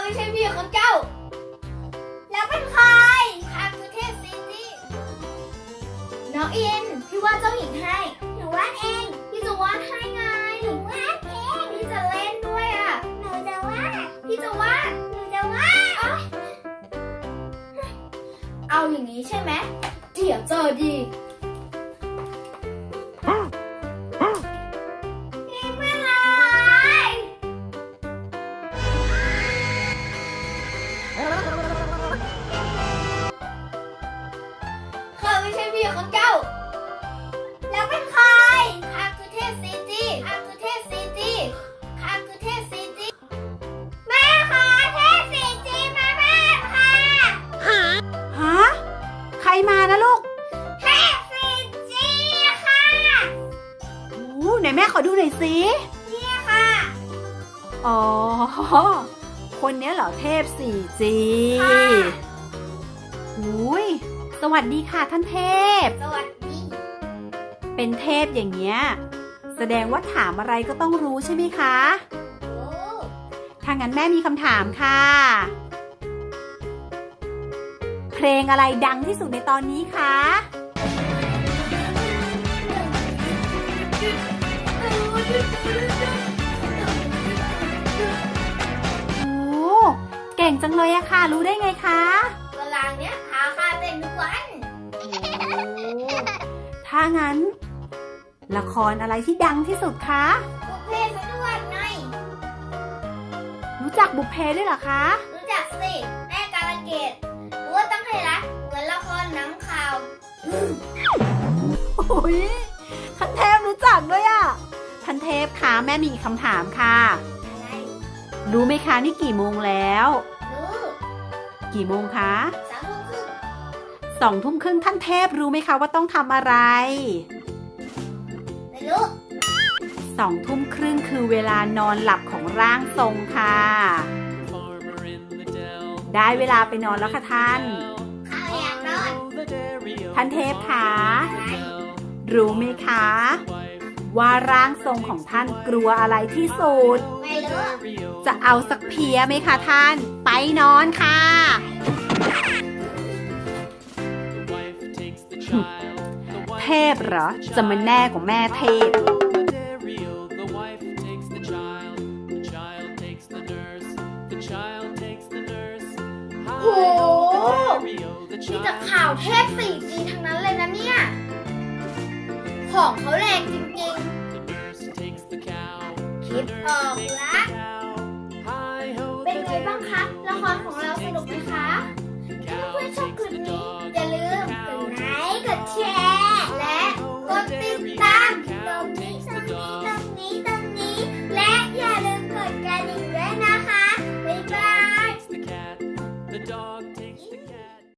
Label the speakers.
Speaker 1: ไม่ใช่พี่ของเจ้าแล้วเป็นใครข้าคือเทพซีจีน้องอินพี่วาดเจ้าหญิงให้หนูวาดเองพี่จะวาดให้ไงหนูวาดเองพี่จะเล่นด้วยอ่ะหนูจะวาดพี่จะวาดหนูจะวาดเอาอย่างนี้ใช่ไหมเดี๋ยวเจอดีไม่ใช่พี่ของเจ้าแล้วเป็นใครข้าคือเทพซีจีข้าคือเทพซีจีข้าคือเทพซีจีแม่ค่ะเทพซีจีมาบ้านค่ะ
Speaker 2: ฮะใครมานะลูก
Speaker 1: เทพซีจีค่ะ
Speaker 2: โอ้ไหนแม่ขอดูหน่อยสิ
Speaker 1: นี่ค่ะ
Speaker 2: อ๋อคนนี้เหรอเทพ 4G อุ้ยสวัสดีค่ะท่านเทพ
Speaker 1: สวัสดี
Speaker 2: เป็นเทพอย่างเงี้ยแสดงว่าถามอะไรก็ต้องรู้ใช่ไหมคะถ้างั้นแม่มีคำถามค่ะเพลงอะไรดังที่สุดในตอนนี้คะโอ้เก่งจังเลยอะค่ะรู้ได้ไงคะ
Speaker 1: เวลาเนี้ยหาค่าเต้นทุกวัน
Speaker 2: ถ้างั้นละครอะไรที่ดังที่สุดคะ
Speaker 1: บุพเพสันนิวาสไง
Speaker 2: รู้จักบุพเพด้วยเหรอคะ
Speaker 1: รู้จักสิแม่กาลเกตรู้ว่าต้องให้รักเหมือนละครหนังข่าว
Speaker 2: โอ้ยท่านเทพรู้จักด้วยอ่ะท่านเทพคะแม่มีคำถามค่ะ
Speaker 1: อะไร
Speaker 2: รู้ไหมคะนี่กี่โมงแล้ว
Speaker 1: รู้
Speaker 2: กี่โมงคะ
Speaker 1: 2 ทุ่มครึ่ง
Speaker 2: ท่านเทพรู้ไหมคะว่าต้องทำอะไร
Speaker 1: ไม่รู้
Speaker 2: 2 ทุ่มครึ่งคือเวลานอนหลับของร่างทรงค่ะได้เวลาไปนอนแล้วค่ะท่าน
Speaker 1: ข้าอยากนอน
Speaker 2: ท่านเทพคะรู้ไหมคะว่าร่างทรงของท่านกลัวอะไรที่สุด
Speaker 1: ไม่รู้
Speaker 2: จะเอาสักเพียไหมคะท่านไปนอนค่ะเทพเหรอจะมาแน่กว่าแม่เทพ
Speaker 1: โหมีแต่ข่าวเทพ 4G ทั้งนั้นเลยนะเนี่ยของเขาแรงจริงๆคิดออกละ